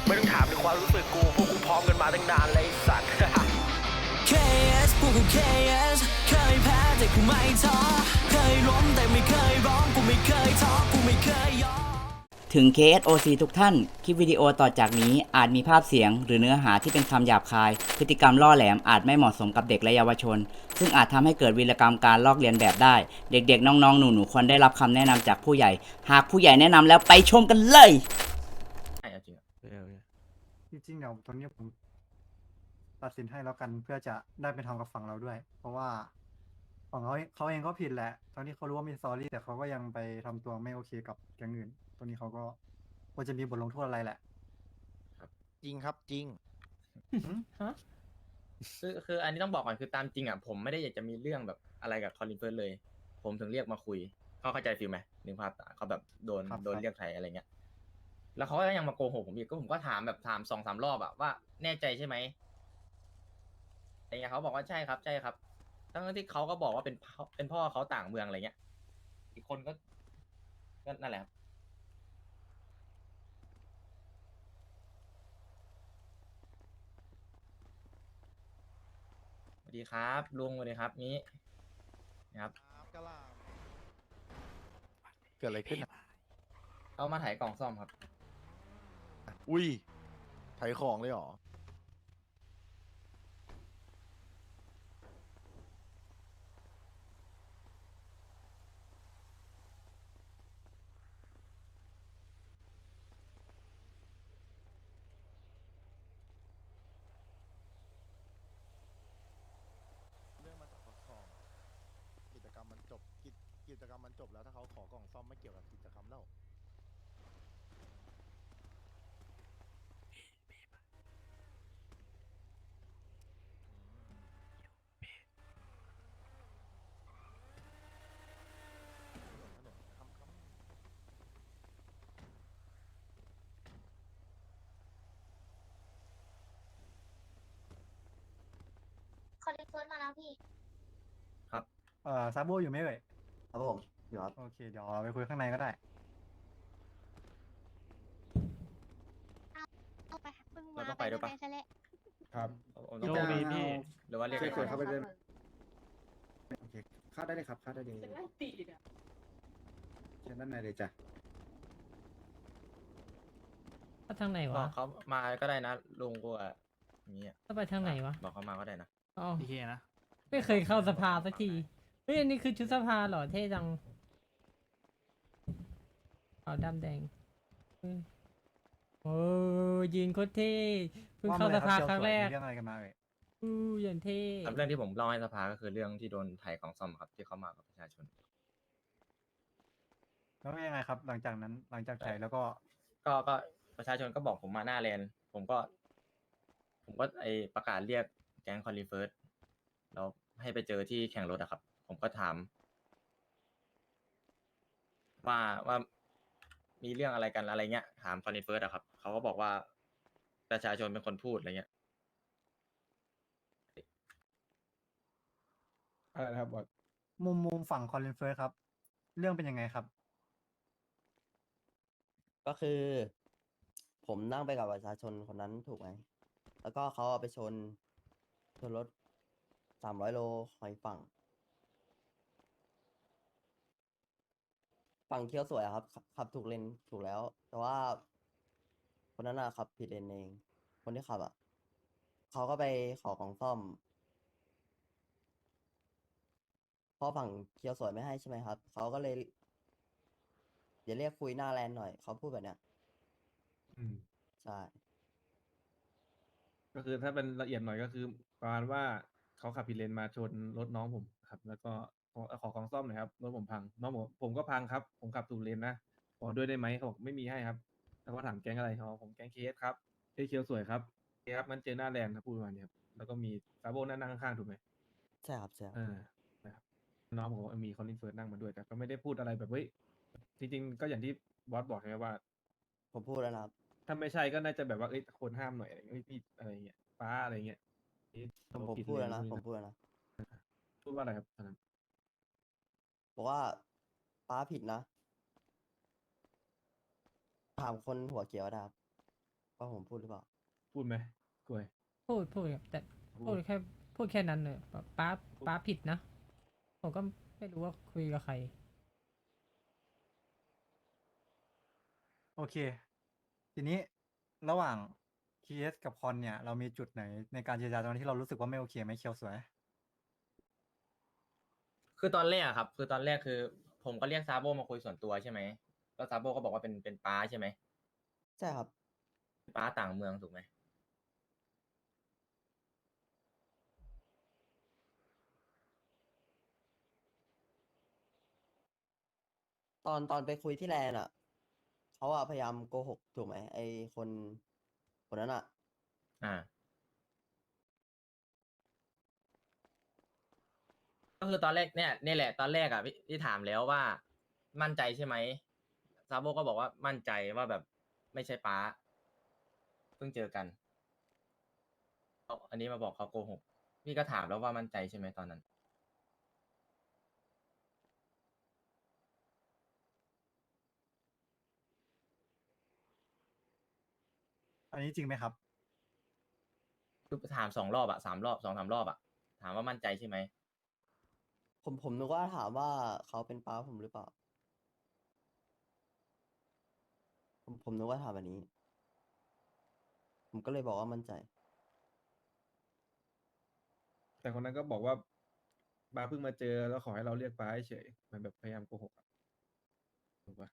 ไม่ต้องถามถึงความรู้สึกกูพวกกูพร้อมกันมาตั้งนานเลยไอ้สัตว์ KS พวกกู KS เคยแพ้แต่กูไม่ท้อเคยล้มแต่ไม่เคยร้องกูไม่เคยท้อกูไม่เคยยอมถึง KSOC ทุกท่าน คลิปวิดีโอต่อจากนี้อาจมีภาพเสียงหรือเนื้อหาที่เป็นคำหยาบคาย พฤติกรรมล่อแหลมอาจไม่เหมาะสมกับเด็กและเยาวชน ซึ่งอาจทำให้เกิดวีรกรรมการลอกเลียนแบบได้ เด็กๆ น้องๆ หนูๆ ควรได้รับคำแนะนำจากผู้ใหญ่ หากผู้ใหญ่แนะนำแล้วไปชมกันเลยใช่เอาจริงอะจริงๆเดี๋ยวตอนนี้ผมตัดสินให้แล้วกันเพื่อจะได้ไปทำกับฝั่งเราด้วย เพราะว่าฝั่งเขาเองก็ผิดแหละ ตอนนี้เขารู้ว่ามีสตอรี่แต่เขาก็ยังไปทำตัวไม่โอเคกับแก๊งอื่นตอนนี้เขาก็ควรจะมีบทลงโทษอะไรแหละจริงครับจริงคืออันนี้ต้องบอกก่อนคือตามจริงอ่ะผมไม่ได้อยากจะมีเรื่องแบบอะไรกับคอลินเฟิร์สเลย ผมถึงเรียกมาคุยเขาเข้าใจฟิลไหมนึกภาพตามเขาแบบโดนครับโดนเรียกไทยอะไรเงี้ยแล้วเขาก็ยังมาโกหกผมอีกก็ผมก็ถามแบบถาม2-3 รอบอะว่าแน่ใจใช่ไหมอะไรเงี้ยเขาบอกว่าใช่ครับใช่ครับทั้งที่เขาก็บอกว่าเป็นพ่อเขาต่างเมืองอะไรเงี้ยอีกคนก็นั่นแหละครับสวัสดีครับลุงสวัสดีครับนี้นะครับเกิดอะไรขึ้นอะเอามาถ่ายกล่องซ่อมครับอุ้ยไถของเลยเหรอ เรื่องมาจากของกิจกรรมมันจบกิจกรรมมันจบแล้วถ้าเขาขอกล่องซ่อมไม่เกี่ยวกับกิจกรรมแล้ว ถนนคำคอลิเฟิร์สมาแล้วพี่ซาโบอยู่ไหมเอ่ยครับผมอยู่ครับโอเคเดี๋ยวเราไปคุยข้างในก็ได้เอาไปเพิ่งเรามาต้องไปด้วยปะซะแล้วครับผมต้องโชคดีพี่หรือว่าเรียกช่วยใครเข้าไปด้วย โอเคเข้าได้เลยครับเข้าได้เลยเชิญด้านในเลยจ้ะก็ทางไหนบอวะกเขามาก็ได้นะลุงกูอะอย่างเงี้ยก็ไปทางไหนวะบอกเขามาก็ได้นะอ๋อโอเคนะไม่เคยเข้าสภาสักที เฮ้ย อันนี้คือชุดสภาเหรอ เท่จังขาวดำแดงเฮ้ยโอ้ยืนโคตรเท่เพิ่งเข้าสภาครั้งแรกเรื่องอะไรกันมาเอ่ยอู้อย่างเท่ครับเรื่องที่ผมเล่าให้สภาก็คือเรื่องที่โดนถ่ายของซ่อมครับที่เขามากับประชาชนแล้วเป็นยังไงครับ หลังจากนั้นหลังจากถ่ายแล้วก็ก็ประชาชนก็บอกผมมาหน้าแลนด์ผมก็ไอประกาศเรียกแก๊งคอลิเฟิร์สแล้วให้ไปเจอที่แข่งรถอะครับ ผมก็ถาม ว่ามีเรื่องอะไรกันอะไรเงี้ย ถามคอลิเฟิร์สอะครับเขาก็บอกว่าประชาชนเป็นคนพูดอะไรเงี้ยอะไรนะครับบอสมุมฝั่งคอลินเฟิร์สครับ เรื่องเป็นยังไงครับก็คือ ผมนั่งไปกับประชาชนคนนั้นถูกไหม แล้วก็เขาเอาไปชนรถ300 โลคอยฝั่งเคี้ยวสวยอะครับขับถูกเลนถูกแล้ว แต่ว่า คนนั้นอะขับผิดเลนเอง คนที่ขับอะเขาก็ไปขอของซ่อมพอฝั่งเคี้ยวสวยไม่ให้ใช่ไหมครับเขาก็เลยเดี๋ยวเรียกคุยหน้าแลนด์หน่อยเขาพูดแบบเนี้ยใช่ก็คือถ้าเป็นละเอียดหน่อยก็คือประมาณว่าเขาขับผิดเลนมาชนรถน้องผมครับ แล้วก็ขอของซ่อมหน่อยครับรถผมพังน้องผมก็พังครับ ผมขับถูกเลนนะขอด้วยได้ไหมเขาบอกไม่มีให้ครับ แล้วก็ถามแก๊งอะไรเขาบอกผมแก๊งเคสครับเคียวสวยครับโอเคครับมันเจอหน้าแลนด์ครับพูดประมาณนี้ครับแล้วก็มีซาโบนั่งข้างๆถูกไหมใช่ครับใช่ครับนะครับน้องผมก็มีคอนลินเฟิร์สนั่งมาด้วยแต่ก็ไม่ได้พูดอะไรแบบเฮ้ยจริงๆก็อย่างที่บอสบอกใช่ไหมว่าผมพูดแล้วนะครับถ้าไม่ใช่ก็น่าจะแบบว่าเอ้ยคนห้ามหน่อยอะไรเงี้ยเอ้ยพี่อะไรเงี้ยป้าอะไรเงี้ยเอ๊ะผมเราผิพูดแล้วนะเยผมพูดแล้วนะพูดว่าอะไรครับตอนนั้นบอกว่าป้าผิดนะ ถามคนหัวเขียวนะครับว่าผมพูดหรือเปล่าพูดไหมกล้วยพูดครับแต่พูดแค่นั้นเลยแบบป้าผิดนะ ผมก็ไม่รู้ว่าคุยกับใครโอเค ทีนี้ระหว่าง KS กับคอนเนี่ย เรามีจุดไหนในการเจรจาตอนที่เรารู้สึกว่าไม่โอเคไหมเคียวสวยคือตอนแรกอะครับ คือตอนแรกคือ ผมก็เรียกซาโบมาคุยส่วนตัวใช่ไหมแล้วซาโบก็บอกว่าเป็นป้าใช่ไหมใช่ครับป้าต่างเมืองถูกไหมตอนไปคุยที่แลนด์อ่ะเขาอะพยายามโกหกถูกไหมไอคนคนนั้นอ่ะอ่า ก็คือตอนแรกเนี่ยแหละตอนแรกอ่ะพี่ถามแล้วว่ามั่นใจใช่ไหมซาโบก็บอกว่ามั่นใจว่าแบบไม่ใช่ป้าเพิ่งเจอกันอันนี้มาบอกเขาโกหกพี่ก็ถามแล้วว่ามั่นใจใช่ไหมตอนนั้นอันนี้จริงไหมครับคือถาม2 รอบอะ3 รอบ2-3 รอบอะถามว่ามั่นใจใช่ไหมผมนึกว่าถามว่าเขาเป็นป้าผมหรือเปล่า ผมนึกว่าถามแบบนี้ ผมก็เลยบอกว่ามั่นใจแต่คนนั้นก็บอกว่าป้าเพิ่งมาเจอแล้วขอให้เราเรียกป้าเฉยๆมันแบบพยายามโกหกอะถูกปะ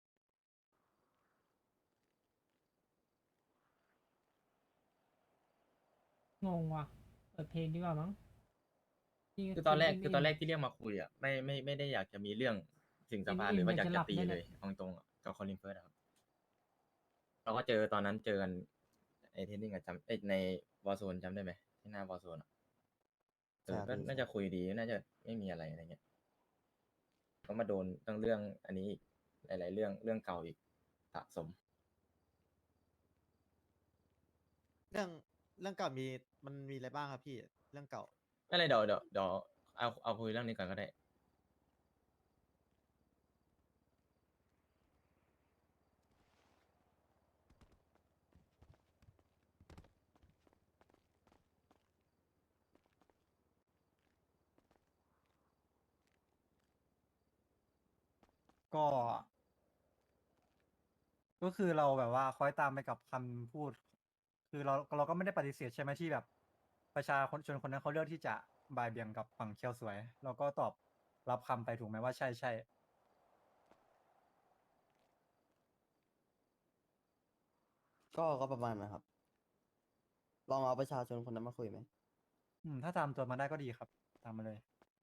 งงว่ะเปิดเพลงดีกว่ามั้งพี่คือตอนแรกมคือตอนแรกที่เรียกมาคุยอะไม่ได้อยากจะมีเรื่องถึงสภาอิ่มๆหรือว่าอยากอยากจะหจะลับตีด้วยเลเนี่ยยเอาตรงๆอะกับคอลินเฟิร์สอะครับเราก็เจอตอนนั้นเจอกันไอ้เทนนิงอะในวอร์โซนจำได้ไหมที่หน้าวอร์โซนอะใช่ก็พี่น่าใช่จะคุยดีน่าจะไม่มีอะไรอะไรเงี้ยก็มาโดนตั้งเรื่องอันนี้อีกหลาย ๆ เรื่องเก่าอีกสะสมเรื่องเรื่องเก่ามันมีอะไรบ้างครับพี่เรื่องเก่าไม่เป็นไรเดี๋ยวเอาคุยเรื่องนี้ก่อนก็ได้ก็ ก็คือเราแบบว่าคอยตามไปกับคำพูด คือเราก็ไม่ได้ปฏิเสธใช่ไหมที่แบบประชาชนคนนั้นเขาเลือกที่จะบ่ายเบี่ยงกับฝั่งเคียวสวย เราก็ตอบรับคำไปถูกไหมว่าใช่ใช่ก็ประมาณนะครับ ลองเอาประชาชนคนนั้นมาคุยไหมถ้าตามตัวมาได้ก็ดีครับ ตามมาเลย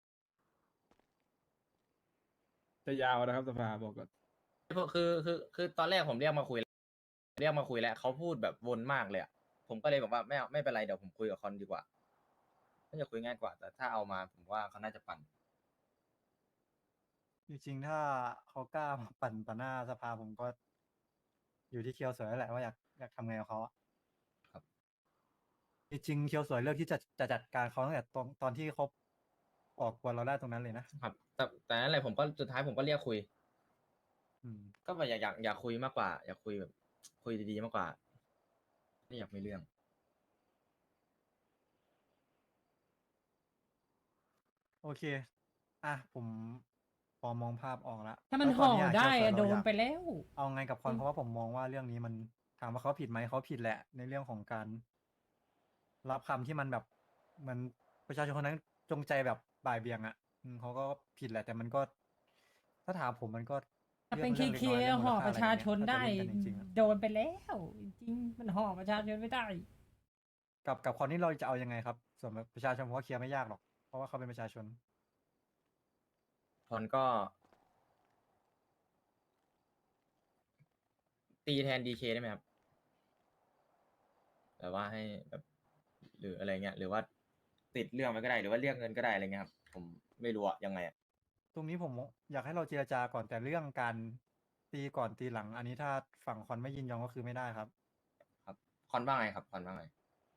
จะยาวนะครับสภาบอกก่อนคือตอนแรกผมเรียกมาคุยแล้วเขาพูดแบบวนมากเลยอะผมก็เลยบอกว่าไม่เอาไม่เป็นไรเดี๋ยวผมคุยกับคอนดีกว่าน่าจะคุยง่ายกว่า แต่ถ้าเอามาผมว่าเขาน่าจะปั่นจริงๆ ถ้าเขากล้ามาปั่นต่อหน้าสภาผมก็อยู่ที่เคียวสวยแล้วแหละว่าอยากทำไงกับเขาอะครับจริงๆเคียวสวยเลือกที่จะจัดการเขาตั้งแต่ตอนที่เขาออกกวนเราได้ตรงนั้นเลยนะครับแต่นั่นแหละผมก็สุดท้ายผมก็เรียกคุยอืมก็แบบอยากคุยมากกว่า อยากคุยแบบคุยดีๆมากกว่าไม่อยากมีเรื่องโอเค อ่ะผมพอมองภาพออกแล้วถ้ามันแล้วตห่นอเนี้ยได้เคียวสวยอะโดเราอน ยากไปแล้วเอาไงกับคอนอืมเพราะว่าผมมองว่าเรื่องนี้มันถามว่าเขาผิดไหมเขาผิดแหละ ในเรื่องของการรับคำที่มันแบบเหมันประชาชนคนนั้นจงใจแบบบ่ายเบี่ยงอ่ะเขาก็ผิดแหละ แต่มันก็ ถ้าถามผมมันก็ถ้าเรื่เป็อน งเคเรื่องเล็กเคน้อยเรื่องมูห่ลอค่าปอะไรระอชาย่างชเงี้ยนถ้าจะได้เล่นกันจริงๆอะโดนไปแล้ว จริงๆมันห่อประชาชนไม่ได้กับคอนนี้เราจะเอายังไงครับ ส่วนประชาชนผมว่าเคลียร์ไม่ยากหรอก เพราะว่าเขาเป็นประชาชนคอนก็ตีแทนดีเคได้ไหมครับแบบว่าให้แบบหรืออะไรเงี้ยหรือว่าติดเรื่องไปก็ได้หรือว่าเรียกเงินก็ได้อะไรเงี้ยครับผมไม่รู้อะยังไงอะตรงนี้ผมอยากให้เราเจรจาก่อนแต่เรื่องการตีก่อนตีหลัง อันนี้ถ้าฝั่งคอนไม่ยินยอมก็คือไม่ได้ครับครับคอนว่าไงครับคอนว่าไง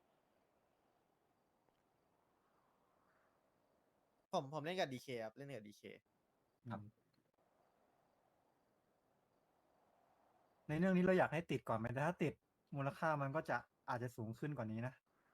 ผมเล่นกับดีเคครับเล่นกับดีเคครับในเรื่องนี้เราอยากให้ติดก่อนไหมแต่ถ้าติดมูลค่ามันก็จะอาจจะสูงขึ้นกว่านี้นะ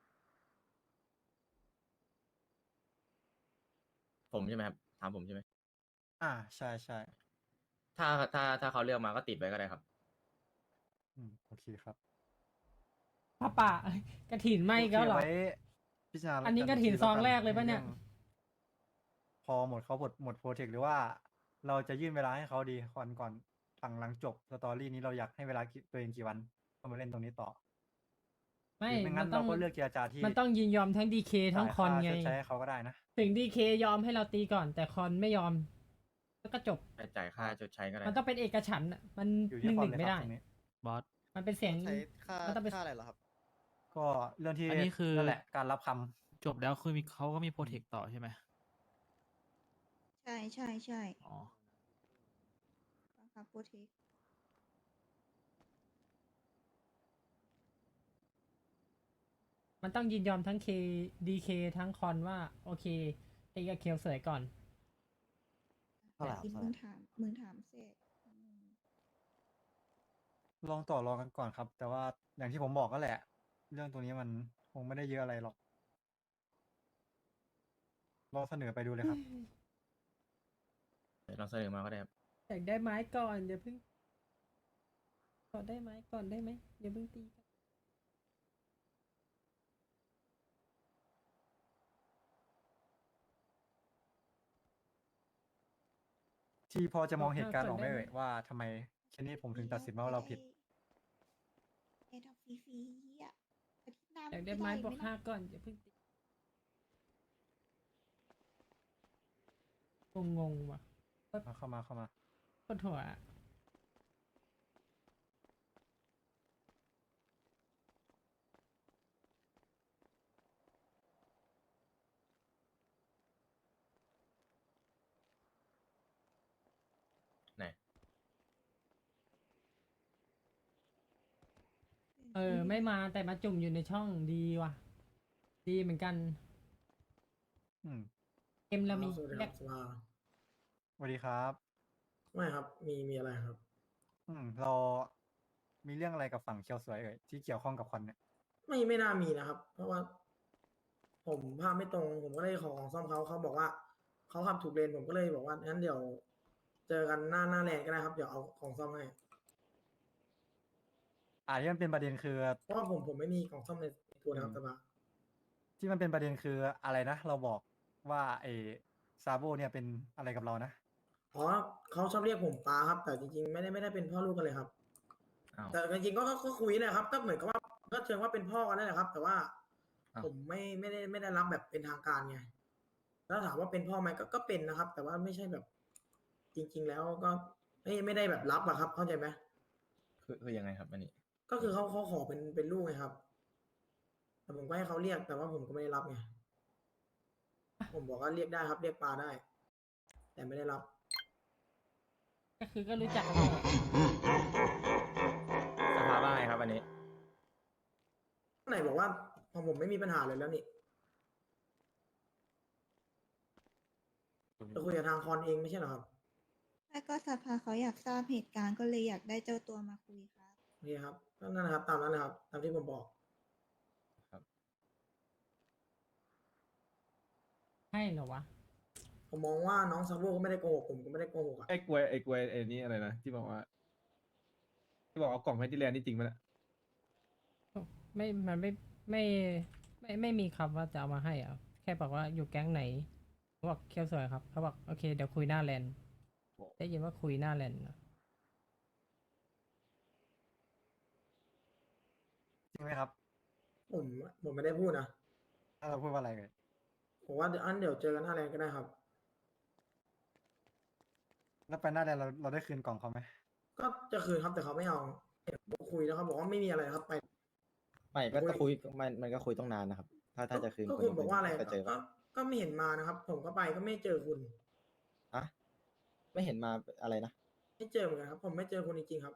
ผมใช่ไหมครับถามผมใช่ไหมใช่ใช่ถ้าเขาเลือกมาก็ติดไว้ก็ได้ครับโอเคครับป้าป่ากระถินไหมก็เหรอโอเคไว้พิจารณาอันนี้กฐินแล้วซองแรกเลยปะเนี่ยรื่องพอหมดเขาหมดโปรเทคหรือว่าเราจะยื่นเวลาให้เขาดีก่อนหลังจบสตอรี่นี้เราอยากให้เวลาตัวเองกี่วันก็มาเล่นตรงนี้ต่อไม่หรือไม่มังั้นนต้อเรางก็เลือกเจรจาที่มันต้องยินยอมทั้งดีเคทั้งจ่ายคอนค่าไงชดใช้ให้เขาก็ได้นะถึงดีเคยอมให้เราตีก่อน แต่คอนไม่ยอมแล้วก็จบไปจ่ายค่าชดใช้ก็ได้มันต้องเป็นเอกฉันท์อะมันอยู่หที่นึ่งคหวามนึ่งเลยไม่ครัได้บตรงนี้บอสมันเป็นเสียงใช้ค่ามันต้องเป็นค่าอะไรเหรอครับก็เรื่องที่อันนี้คือนั่นแหละการรับคำจบแล้วคือมีเขาก็มีโปรเทคต่อใช่ไหมใช่ใช่ใช่อ๋อครับโปรเทคมันต้องยินยอมทั้งเคดีเคทั้งคอนว่า โอเคตีกับเคียวเสยก่อนเท่าไหร่ครับกินเท่าไหมึร่งถามเสร็จลองต่อรองกันก่อนครับ แต่ว่าอย่างที่ผมบอกก็แหละ เรื่องตัวนี้มันคงไม่ได้เยอะอะไรหรอกลองเสนอไปดูเลยครับลองเสนอมาก็ได้ครับอยากได้ไม้ก่อนอย่าเพิ่งขอได้ไม้ก่อนได้ไหมอย่าเพิ่งตีกันที่พอจะมองเหตุการณ์ออกไหมก่อนได้ไหมเอ่ยว่าทำไมเคนนี่ผมถึงตัดสินว่าเราผิดไอ้ดอกฟรีๆอ่ะอาทิตย์หน้าอยากได้ไม้บวกนะ 5ก่อนอย่าเพิ่งตีงงๆว่ะเข้ามาปวดหัวอะไหนไม่มาแต่มาจุ่มอยู่ในช่องดีว่ะ ดีเหมือนกันอืมเอ็มเรามีสวัสดีแลครักบสภาสวัสดีครับไม่ครับ มีอะไรครับเรามีเรื่องอะไรกับฝั่งเคียวสวยเอ่ยที่เกี่ยวข้องกับคอนเนี่ยไม่น่ามีนะครับ เพราะว่า ผมภาพไม่ตรง ผมก็เลยขอของซ่อมเขาบอกว่าเขาขับถูกเลนผมก็เลยบอกว่างั้นเดี๋ยว เจอกันหน้าแลนก็ได้ครับ เดี๋ยวเอาของซ่อมให้ที่มันเป็นประเด็นคือเพราะว่าผมไม่มีของซ่อมในตัวนะครับสภาที่มันเป็นประเด็นคืออะไรนะ เราบอกว่าไอ้ซาโบเนี่ยเป็นอะไรกับเรานะอ๋อเขาชอบเรียกผมป้าครับ แต่จริงๆไม่ได้เป็นพ่อลูกกันเลยครับอ้าวแต่จริงๆก็คุยนะครับ ก็เหมือนกับว่าก็เชิงว่าเป็นพ่อกันนั่นแหละครับ แต่ว่าอ้าวผมไม่ได้รับแบบเป็นทางการไงแล้วถามว่าเป็นพ่อไหมก็เป็นนะครับ แต่ว่าไม่ใช่แบบ จริง ๆ แล้วก็ไม่ได้แบบรับอะครับ เข้าใจไหมคือยังไงครับอันนี้ก็คือเขาขอเป็นลูกไงครับ แต่ผมก็ให้เขาเรียก แต่ว่าผมก็ไม่ได้รับไงผมบอกว่าเรียกได้ครับ เรียกปลาได้ แต่ไม่ได้รับก็คือก็รู้จักกันหมดสภาว่าไงครับอันนี้ไหนบอกว่าผมไม่มีปัญหาเลยแล้วนี่จะคุยกับทางคอนเองไม่ใช่เหรอครับแล้วก็สภาเขาอยากทราบเหตุการณ์ก็เลยอยากได้เจ้าตัวมาคุยครับโอเคครับก็นั่นนะครับ ตามนั้นนะครับ ตามที่ผมบอกให้เหรอวะผมมองว่าน้องซาโบก็ไม่ได้โกหกผมก็ไม่ได้โกหกอ่ะไอ้กลวยไอ้นี่อะไรนะที่บอกว่า ที่บอกเอากล่องให้ที่แลนด์นี่จริงปะเนี่ยมันไม่มีคำว่าจะเอามาให้อ่ะ แค่บอกว่าอยู่แก๊งไหนเขาบอกเคียวสวยครับ เขาบอกโอเคเดี๋ยวคุยหน้าแลนด์ได้ยินว่าคุยหน้าแลนด์นะจริงไหมครับผมไม่ได้พูดนะถ้าเราพูดว่าอะไรเลยผมว่าเดี๋ยวเจอกันหน้าแรงก็ได้ครับแล้วไปหน้าแดนเราได้คืนกล่องเขาไหมก็จะคืนครับแต่เขาไม่เอาผมคุยแล้วเขาบอกว่าไม่มีอะไรครับไปไม่ก็คุยมันก็คุยต้องนานนะครับ ถ้าจะคืนก็คุณบอกว่าอะไรก็เจอก็ไม่เห็นมานะครับ ผมก็ไปก็ไม่เจอคุณอะไม่เห็นมาอะไรนะไม่เจอเหมือนกันครับ ผมไม่เจอคุณจริงๆครับ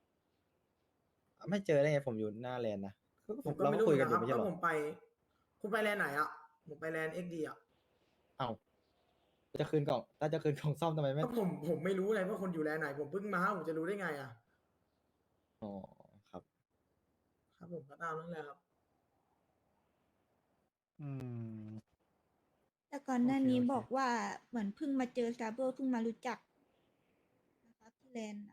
ไม่เจอได้ไงผมอยู่หน้าแลนด์นะผมก็เราไม่ก็รู้คุยกันนะอคยู่รับไม่ใช่ก็เหรอผมไป คุณไปแลนด์ไหนอ่ะผมไปแลนด์ XD อ่ะเอ้าจะคืนกล่องถ้าจะคืนกล่องซ่อมทำไมไม่ก็ผมไม่รู้เลยว่าคนอยู่แลนด์ไหน ผมเพิ่งมาผมจะรู้ได้ไงอ่ะอ๋อครับครับผมก็ตามนั้นแหละครับอืมแต่ก่อนหน้าโอเคนี้โอเคบอกว่าเหมือนเพิ่งมาเจอซาโบเพิ่งมารู้จักนะครับที่แลนด์อะ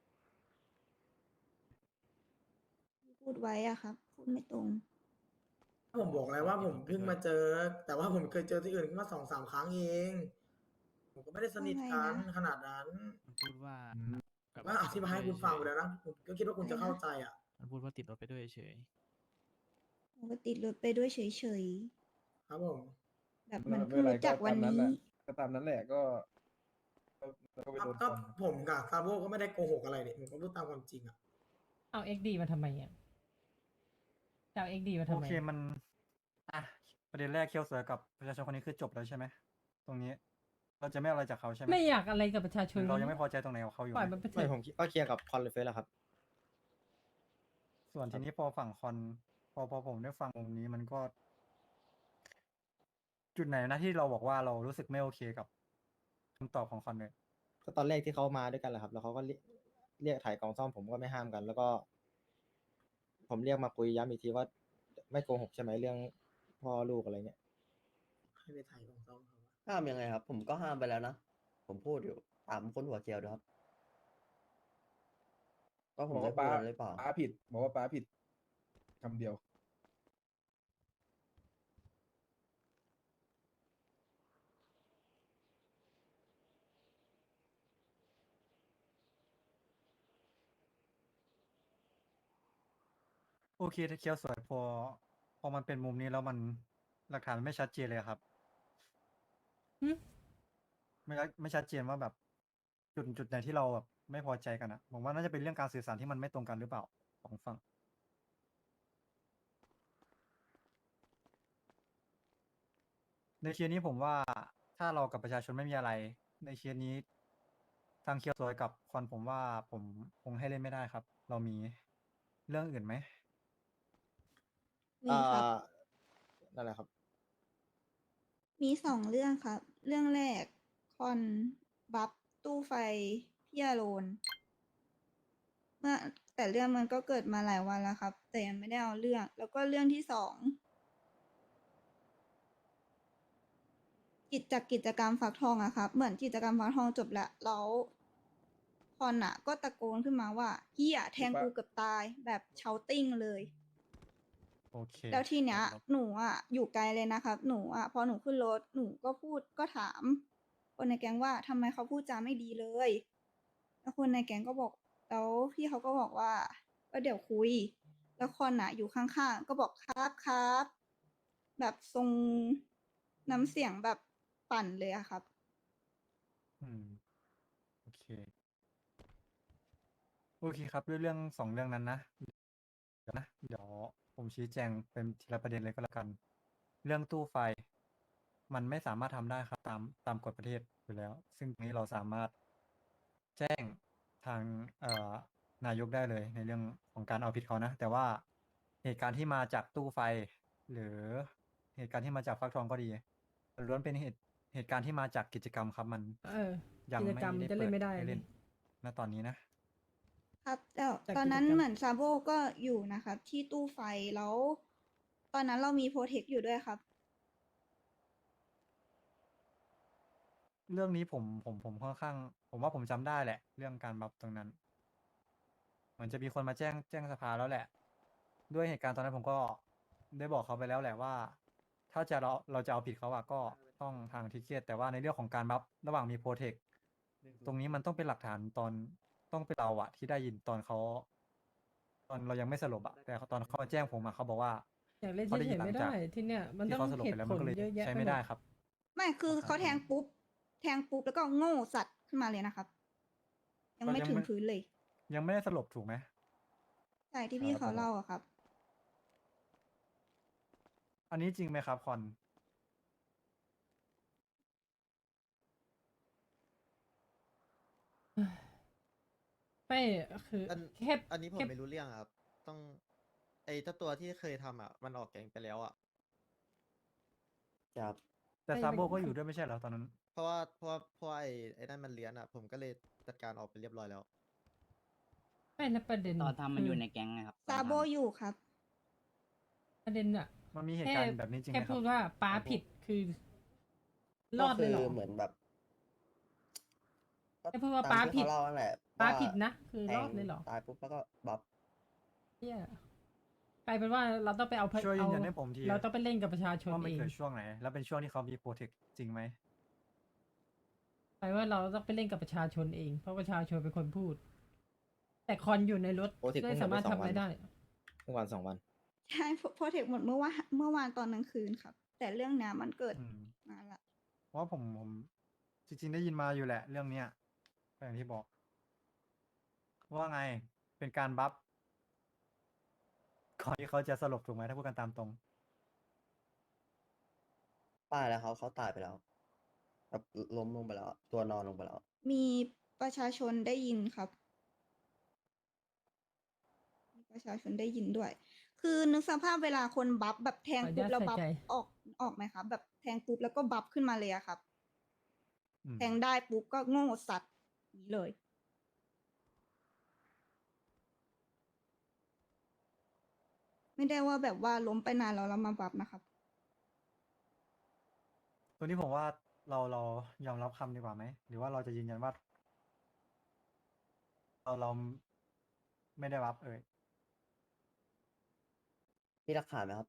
ที่พูดไว้อะครับ พูดไม่ตรงผมบอกแล้วว่าผมเพิ่งมาเจอ แต่ว่าผมเคยเจอที่อื่นมา2-3 ครั้งเอง ผมก็ไม่ได้สนิทกันว่าไงนะขนาดนั้นมันพูดว่าอืมกับก็อธิบายให้คุณฟังไปแล้วนะผมก็คิดว่าคุณจะเข้าใจอ่ะมันพูดว่าติดรถไปด้วยเฉยปกติรถไปด้วยเฉยครับผมๆ แบบมันเพิ่งรู้จักวันนี้ก็ตามนั้นแหละก็ไปครับโดนก็ฟันผมกับซาโบก็ไม่ได้โกหกอะไรเนี่ยผมก็พูดตามความจริงอ่ะเอา XD มาทำไมอ่ะจะเอา XD มาทำโอไมเคมันอ่ะประเด็นแรกเคียวเสือกับประชาชนคนนี้คือจบแล้วใช่ไหมตรงนี้ เราจะไม่เอาอะไรจากเขาใช่ไหมไม่อยากอะไรกับประชาชหรืนอเรายังไม่พอใจตรงไหนกับเขาอยู่ปล่อยไหมมันไปเถไม่อะผมก็เคลียร์กับคอนเลยเฟสแล้วครับส่วนทีนี้พอฝั่งคอนพอผมได้ฟังตรงนี้มันก็ จุดไหนนะที่เราบอกว่าเรารู้สึกไม่โอเคกับคำตอบของคอนเลยก็ตอนแรกที่เขามาด้วยกันแหละครับ แล้วเขาก็เรียกถ่ายกล่องซ่อมผมก็ไม่ห้ามกัน แล้วก็ ผมเรียกมาคุยย้ำอีกทีว่าไม่โกหกใช่ไหมเรื่องพ่อลูกอะไรเงี้ยให้ไปถ่ายของซ่อมเขาอะห้ามยังไงครับ ผมก็ห้ามไปแล้วนะ ผมพูดอยู่ถามคนหัวเกลียวดูครับว่าผมบอกได้ว่าพูป้าดอะไรหรือเปล่าป้าผิด บอกว่าป้าผิดคำเดียวโอเคเคียวสวยพอมันเป็นมุมนี้แล้วมันหลักฐานมันไม่ชัดเจนเลยครับหึไม่ชัดเจนว่าแบบจุดไหนที่เราแบบไม่พอใจกันอะผมว่าน่าจะเป็นเรื่องการสื่อสารที่มันไม่ตรงกันหรือเปล่าของฝั่งในเคสนี้ผมว่าถ้าเรากับประชาชนไม่มีอะไร ในเคสนี้ทางเคียวสวยกับคอนผมว่าผมคงให้เล่นไม่ได้ครับ เรามีเรื่องอื่นไหมมีครับนั่นแหละครับมี2 เรื่องครับ เรื่องแรก คอนบัฟตู้ไฟพี่อโรนเมื่อแต่เรื่องมันก็เกิดมาหลายวันแล้วครับ แต่ยังไม่ได้เอาเรื่อง แล้วก็เรื่องที่2 กิจกรรมฟักทองอะครับ เหมือนกิจกรรมฟักทองจบแล้วแล้วคอนอะก็ตะโกนขึ้นมาว่าเฮียแทงกูเกือบตายแบบเชาติ้งเลยโอเคแล้วทีเนี้ยครับหนูอ่ะอยู่ไกลเลยนะครับ หนูอ่ะพอหนูขึ้นรถหนูก็พูดก็ถามคนในแก๊งว่าทำไมเขาพูดจาไม่ดีเลย แล้วคนในแก๊งก็บอกแล้วพี่เขาก็บอกว่าก็เดี๋ยวคุย แล้วคอนอ่ะอยู่ข้างๆก็บอกครับ แบบทรงน้ำเสียงแบบปั่นเลยอะครับอืมโอเคครับด้วยเรื่อง2 เรื่องนั้นนะเดี๋ยวผมชี้แจงเป็นทีละประเด็นเลยก็แล้วกัน เรื่องตู้ไฟ มันไม่สามารถทำได้ครับตามกฎประเทศอยู่แล้ว ซึ่งตรงนี้เราสามารถแจ้งทางนายกได้เลยในเรื่องของการเอาผิดเขานะ แต่ว่าเหตุการณ์ที่มาจากตู้ไฟ หรือเหตุการณ์ที่มาจากฟักทองก็ดีล้วนเป็นเหตุการณ์ที่มาจากกิจกรรมครับมัน ยังกิจไม่กรรมได้จะเปิเล่ดนไม่ได้ให้เล่นนี่ณตอนนี้นะครับแต่แต่ตอนนั้นกิจกรรมเหมือนซาโบก็อยู่นะครับ ที่ตู้ไฟแล้ว ตอนนั้นเรามีโปรเทคอยู่ด้วยครับเรื่องนี้ผมค่อนข้าง ผมว่าผมจำได้แหละ เรื่องการบัฟตรงนั้นเหมือนจะมีคนมาแจ้งสภาแล้วแหละ ด้วยเหตุการณ์ตอนนั้นผมก็ได้บอกเขาไปแล้วแหละว่า ถ้าเราจะเอาผิดเขาอะก็ต้องทางทิเกตแต่ว่าในเรื่องของการบัฟระหว่างมีโปรเทคตรงนี้มันต้องเป็นหลักฐานต้องเป็นเราอะที่ได้ยินตอนเรายังไม่สลบอะแต่ตอนเขามาแจ้งผมอะเขาบอกว่าอยากเล่นเขาได้เฉยินยหๆลัไม่งจากได้ที่เนี่ยมันที่ต้องเขาสลบเหไปตุแล้วผมันลก็เลยเยอะแยะใช้ไปไม่หมได้ดครับไม่คือเขาแทงปุ๊บแล้วก็โง่สัตว์ขึ้นมาเลยนะครับ ยังไม่เรายังถึงไม่พื้นเลยยังไม่ได้สลบถูกไหมใช่ที่พี่ครับเขาเล่าอะครับอันนี้จริงไหมครับคอนไม่คืออันแค่อันนี้ผมแค่ไม่รู้เรื่องครับ ต้องไอ้เจ้าตัวที่เคยทำอ่ะ มันออกแก๊งไปแล้วอ่ะครับแต่ไม่ซาโบมันก็อยู่ด้วยไม่ใช่เหรอตอนนั้นเพราะว่าไอ้นั่นมันเลี้ยนอ่ะ ผมก็เลยจัดการออกไปเรียบร้อยแล้วไม่นะประเด็นตอนทำมันคือยู่ในแก๊งนะครับตอนซาโบทำอยู่ครับประเด็นอะมันมีเหตุการณ์แบบนี้จริงไหมแค่ครัพูบดว่าป้าผิดคือ รอดเลยเหรอเหมือนแบบแค่พูดว่าป้าผิด ป้าผิดนะ คือแทงรอดเลยเหรอตายปุ๊บแล้วก็บัฟเนี่ยกลายเป็นว่าเราต้องไปเอาช่วยยืนยันให้ผมทีเราต้องไปเล่นกับประชาชนว่ามันเองเกิดช่วงไหน แล้วเป็นช่วงที่เขามีโปรเทคจริงไหมกลายว่าเราต้องไปเล่นกับประชาชนเอง เพราะประชาชนเป็นคนพูด แต่คอนอยู่ในรถโปรเทคไม่สามารถทำอะไรได้เมื่อวาน2 วันใช่โปรเทคหมดเมื่อวานตอนกลางคืนครับ แต่เรื่องเนี้ยมันเกิดอืมนานละเพราะว่าผมจริงๆได้ยินมาอยู่แหละ เรื่องเนี้ยก็อย่างที่บอก ว่าไงเป็นการบัฟก่อนที่เขาจะสลบถูกไหมถ้าพูดกันตามตรงป้ายแล้วเขาตายไปแล้วแบบล้มลงไปแล้ว ตัวนอนลงไปแล้วมีประชาชนได้ยินครับ มีประชาชนได้ยินด้วย คือนึกสภาพเวลาคนบัฟแบบแทงปุ๊บแล้วบัฟขออนุญาตใส่ใจออกไหมครับ แบบแทงปุ๊บแล้วก็บัฟขึ้นมาเลยอะครับอืมแทงได้ปุ๊บก็โง่สัตว์นี้เลย ไม่ได้ว่าแบบว่าล้มไปนานแล้วเรามาบัฟนะครับตัวนี้ผมว่าเรายอมรับคำดีกว่าไหม หรือว่าเราจะยืนยันว่า เราไม่ได้บัฟเอ่ยมีหลักฐานไหมครับ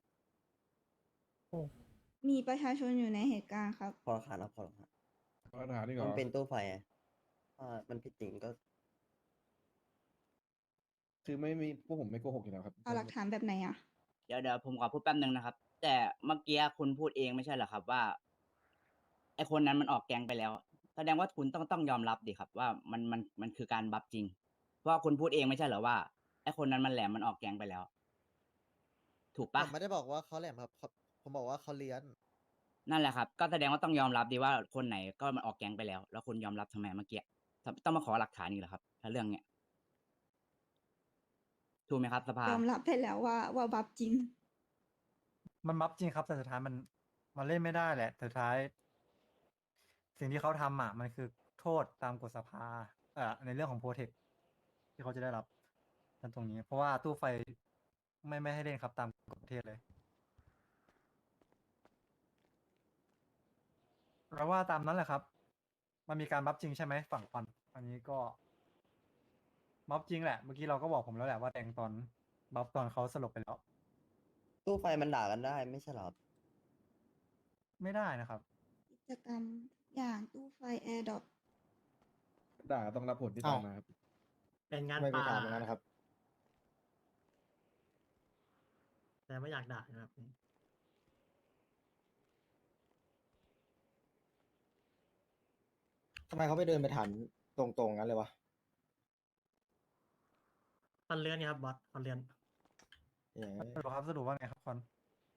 มีประชาชนอยู่ในเหตุการณ์ครับพอหลักฐานครับพอหลักฐานปัญหานี่เหรมันอเป็นตู้ไฟไงถ้ามันผิดจริงก็คือไม่มีพวกผมไม่โกหกอยู่แล้วครับเอาหลักฐานแบบไหนอะเดี๋ยวผมขอพูดแป๊บนึงนะครับ แต่เมื่อกี้คุณพูดเองไม่ใช่เหรอครับว่าไอคนนั้นมันออกแกงไปแล้ว แสดงว่าคุณต้องยอมรับดิครับ ว่ามันคือการบัฟจริง เพราะว่าคุณพูดเองไม่ใช่เหรอว่าไอคนนั้นมันแหลมมันออกแกงไปแล้ว ถูกผปะมไม่ได้บอกว่าเขาแหลมครับผมบอกว่าเขาเลี้ยนนั่นแหละครับ ก็แสดงว่าต้องยอมรับดีว่าคนไหนก็มันออกแกงไปแล้ว แล้วคุณยอมรับทำไมเมื่อกี้ต้องมาขอหลักฐานอีกเหรอครับ ถ้าเรื่องเนี้ยถูกไหมครับสภายอมรับไปแล้วว่าบัฟจริงมันบัฟจริงครับ แต่สุดท้ายมันเล่นไม่ได้แหละแต่สุดท้าย สิ่งที่เขาทำอ่ะ มันคือโทษตามกฎสภาในเรื่องของโปรเทคที่เขาจะได้รับนั่นตรงนี้ เพราะว่าตู้ไฟไม่ให้เล่นครับตามกฎประเทศเลยเราว่าตามนั้นแหละครับ มันมีการบัฟจริงใช่ไหมฝั่งควันอันนี้ก็บัฟจริงแหละ เมื่อกี้เราก็บอกผมแล้วแหละว่าแทงตอนบัฟตอนเขาสลบไปแล้วตู้ไฟมันด่ากันได้ไม่ใช่เหรอครับไม่ได้นะครับกิจกรรมอย่างตู้ไฟแอร์ดรอปด่าต้องรับผลที่ตามมาครับเป็นงานไม่ไปป่าถามอย่างนั้นนะครับแต่ไม่อยากด่านะครับทำไมเขาไปเดินไปถามตรงๆงั้นเลยวะคอนเลื่อนครับบอสคอนเลื่อนเอ๊ะสรุปว่าไงครับคอน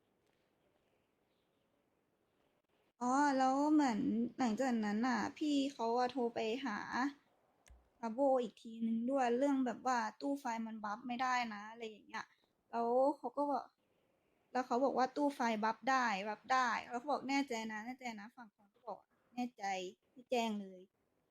อ๋อ แล้วเหมือนหลังจากนั้นน่ะ พี่เขาอะโทรไปหาอาโบอีกทีนึงด้วยเรื่องแบบว่าตู้ไฟมันบัฟไม่ได้นะอะไรอย่างเงี้ย แล้วเขาก็บอกแล้วเขาบอกว่าตู้ไฟบัฟได้แล้วเขาบอกแน่ใจนะฝั่งคนก็บอกแน่ใจที่แจ้งเลย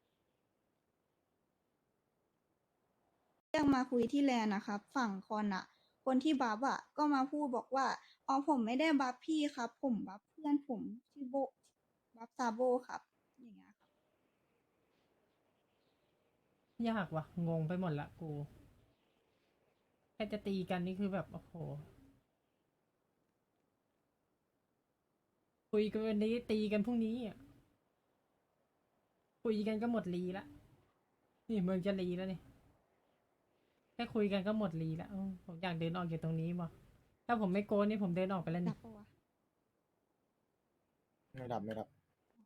เรื่องมาคุยที่แลนด์นะครับ ฝั่งคอนอะคนที่บัฟอะก็มาพูดบอกว่าอ๋อผมไม่ได้บัฟพี่ครับ ผมบัฟเพื่อนผมชื่อโบบัฟซาโบครับ อย่างเงี้ยครับยากว่ะ งงไปหมดละกู แค่จะตีกันนี่คือแบบ โอ้โห คุยกันวันนี้ตีกันพรุ่งนี้อ่ะ คุยกันก็หมดรีละ นี่เมืองจะรีแล้วนี่ แค่คุยกันก็หมดรีแล้วผมอยากเดินออกจากตรงนี้มาถ้าผมไม่โกนนี่ผมเดินออกไปแล้วดันี่บปะวะไม่ดับไม่ดับ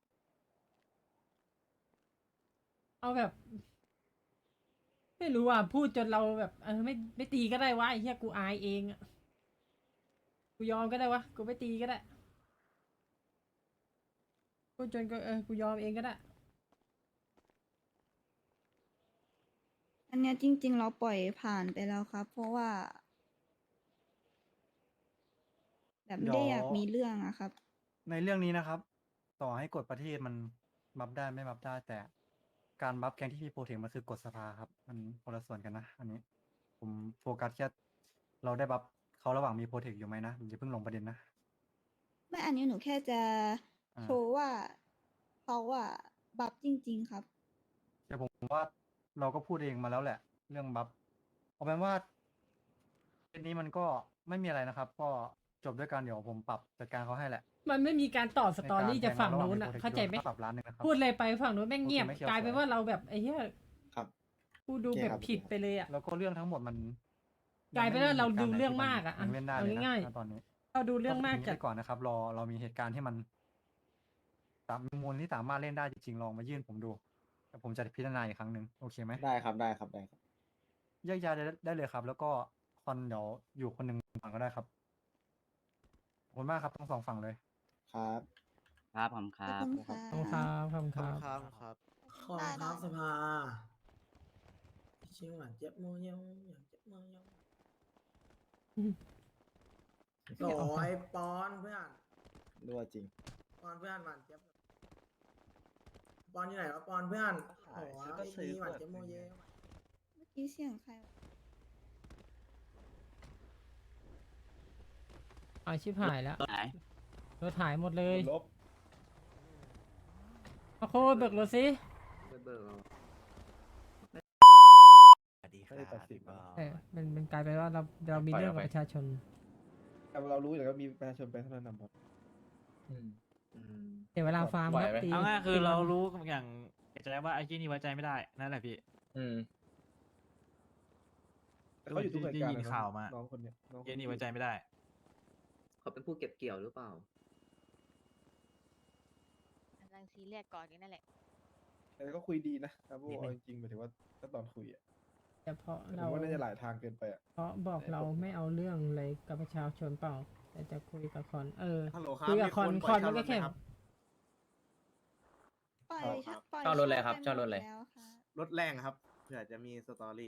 เอาแบบ ไม่รู้อ่ะ พูดจนเราแบบไม่ตีก็ได้วะไอ้เหี้ยกูอายเองอ่ะ กูยอมก็ได้วะ กูไม่ตีก็ได้ พูดจนก็กูยอมเองก็ได้อันเนี้ยจริง ๆ เราปล่อยผ่านไปแล้วครับ เพราะว่า แบบไม่ได้อยากมีเรื่องอะครับในเรื่องนี้นะครับ ต่อให้กฎประเทศมันบัฟได้ไม่บัฟได้ แต่การบัฟแกงที่มีโปรเทคมันคือกฎสภาครับ มันคนละส่วนกันนะ อันนี้ ผมโฟกัสแค่เราได้บัฟเขาระหว่างมีโปรเทคอยู่ไหมนะอย่าเพิ่งลงประเด็นนะไม่อันนี้หนูแค่จะอ่าโชว์ว่าเขาอะบัฟจริง ๆ ครับแต่ผมว่าเราก็พูดเองมาแล้วแหละ เรื่องบัฟเอาเป็นว่าเคสนี้มันก็ไม่มีอะไรนะครับ ก็จบด้วยการเดี๋ยวผมปรับจัดการเขาให้แหละมันไม่มีการต่อสตอรี่ในจากรฝั่งแทระหว่นู้นอ่ะมี protect เข้าใจไหมก็ปรับล้านหนึ่งนะครับพูดอะไรไปฝั่งนู้นแม่งเงียบโอเคไม่เกี่ยวกลายเป็นสวยว่าเราแบบไอ้เหี้ยครับกูดูโอเคแบบครับผิดไปเลยอ่ะแล้วก็เรื่องทั้งหมดมันกลายเป็นว่าเราดูเรื่องมากอะยังเล่นได้เอาเลยนะง่ายๆณตอนนี้เราดูเรื่องมากทิ้จัดไปก่อนนะครับ เรามีเหตุการณ์ที่มันมีมูลที่สามารถเล่นได้จริงๆลองมายื่นผมดูแต่ผมจะพิจารณาอีกครั้งหนึ่งโอเคไหมได้ครับได้ครับได้ครับแยกย้ายได้เลยครับ แล้วก็คอนเดี๋ยวอยู่คนหนึ่งฝั่งก็ได้ครับขอบคุณมากครับทั้งสองฝั่งเลยครับครับผมคขอบรับคุณค่ะขอบคุณครับขอบคุณครับครับครับขอบคุณครับสภาชิงหวานเจ็บมือยังอย่างเจ็บมือยังอืมโอ้ยปอนเพื่อนรั่วจริงปอนเพื่อนหวานเจ็บปอนอยู่ไหนวะปอนเพื่อนโอ้ยไอ้นี่หวานเจ็บมือเยอะเมื่อกี้เสียงใครวะเอาชิบหายแล้วไหนรถหายหมดเลยลบมาโคเบิกรถสิไม่ได้ตัดสินนะมันกลายเป็นว่าเรามีเรื่องกับประชาชนแต่เรารู้อยู่แล้วมีประชาชนไปเท่านั้นนะบอสเดี๋ยวเวลาฟาร์มไหวก็ไหมตีเอาง่ายคือตีเราวันรู้อย่างใจว่าไอ้ที่นี่ไว้ใจไม่ได้นั่นแหละพี่แต่เขาอยู่ทุกเหตุการณ์ได้ยินข่าวมาน้องคนเนี้ยน้องคไอ้นี่ไว้ใจไม่ได้เขาเป็นผู้เก็บเกี่ยวหรือเปล่ากำลังซีเรียสก่อนนี่นั่นแหละแต่ก็คุยดีนะครับพวกเอาจริงๆหมายถึงว่าถ้าตอนคุยอ่ะแต่เพราะผมเราว่าน่าจะหลายทางเกินไปอ่ะเพราะบอกเราไม่เอาเรื่องอะไรกับประชาชนเปล่า แต่จะคุยกับคอนฮัลโหลครับคุยกับคอนมีคอนปล่มัยนก็แค่เช่ารถไหมครับปล่อยครับปล่อยเช่ารถอะไรครับไปเช่ารถอะไรหมดแล้วค่ะรถแรงครับเผื่อจะมีสตอรี่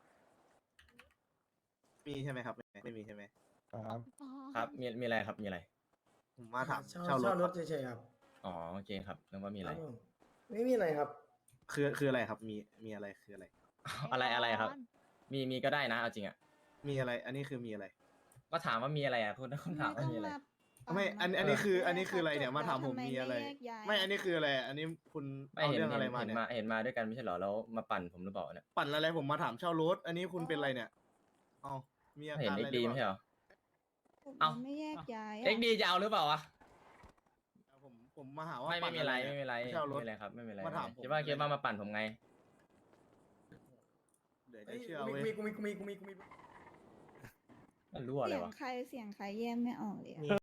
มีใช่ไหมครับ ไม่มีใช่ไหมครับครับ มีอะไรครับ มีอะไรผมมาถามเช่ารถถครับเฉยๆครับอ๋อ โอเคครับนึกว่ามีอะไรครับผมไม่มีอะไรครับคืออะไรครับ มีอะไรคืออะไรอะไรครับ มีก็ได้นะ เอาจริงอ่ะมีอะไร อันนี้คือมีอะไรก็ถามว่ามีอะไรอ่ะคุณถามว่ามีอะไรไม่อันนี้คืออะไรเนี่ยมาถามผมมีอะไร ไม่อันนี้คืออะไร อันนี้คุณไม่เอาเห็นเรื่องอะไรมาเห็นเนี่ยมาเห็นมาด้วยกันไม่ใช่เหรอ แล้วมาปั่นผมหรือเปล่าเนี่ยปั่นอะไรผมมาถามเช่ารถ อันนี้คุณเป็นอะไรเนี่ยเอามีอาเห็นการเอ็อะกไรหดีรือไม่เปใช่ล่าเหรอผมเอ้าไม่แยกย้ายอะเอ็กดีจะเอาหรือเปล่าวะผมมาหาว่าไม่ปั่นมีอะไรเนี่ยไม่มีอะไรเช่ารถไม่มีอะไรครับ ไม่มีอะไรมาถามผมคิดว่ามาปั่นผมไงเดี๋ยวเอ้จะยเชื่อกูเว้ยมีมันรู้อะไรเสียงวะใครแยกไม่ออกเลยอะ